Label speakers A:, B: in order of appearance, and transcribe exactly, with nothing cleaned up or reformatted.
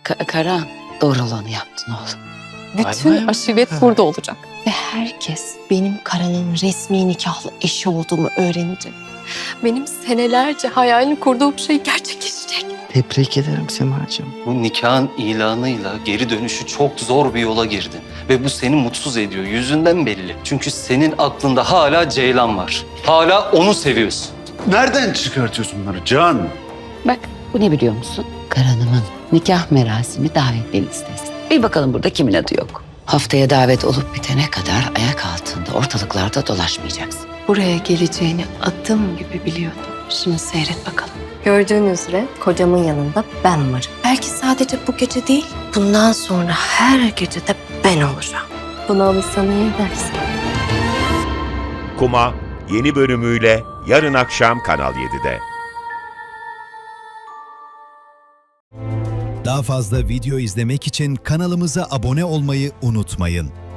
A: Ka- Karan, doğru olanı yaptın oğlum.
B: Bütün
C: Vay vay.
B: aşiret burada olacak.
D: Ve herkes benim Karan'ın resmi nikahlı eşi olduğumu öğrenecek.
B: Benim senelerce hayalini kurduğum şey gerçekleşecek.
C: Tebrik ederim Semacığım.
E: Bu nikahın ilanıyla geri dönüşü çok zor bir yola girdin. Ve bu seni mutsuz ediyor. Yüzünden belli. Çünkü senin aklında hala Ceylan var. Hala onu seviyorsun.
F: Nereden çıkartıyorsun bunları Can?
A: Bak, bu ne biliyor musun? Karan'ımın nikah merasimi davetli listesi. Bir bakalım burada kimin adı yok. Haftaya davet olup bitene kadar ayak altında ortalıklarda dolaşmayacaksın.
D: Buraya geleceğini adım gibi biliyordum. Şimdi seyret bakalım.
G: Gördüğünüz üzere kocamın yanında ben varım.
D: Belki sadece bu gece değil, bundan sonra her gece de ben olacağım.
G: Buna alırsan iyi edersin.
H: Kuma yeni bölümüyle yarın akşam Kanal yedide.
I: Daha fazla video izlemek için kanalımıza abone olmayı unutmayın.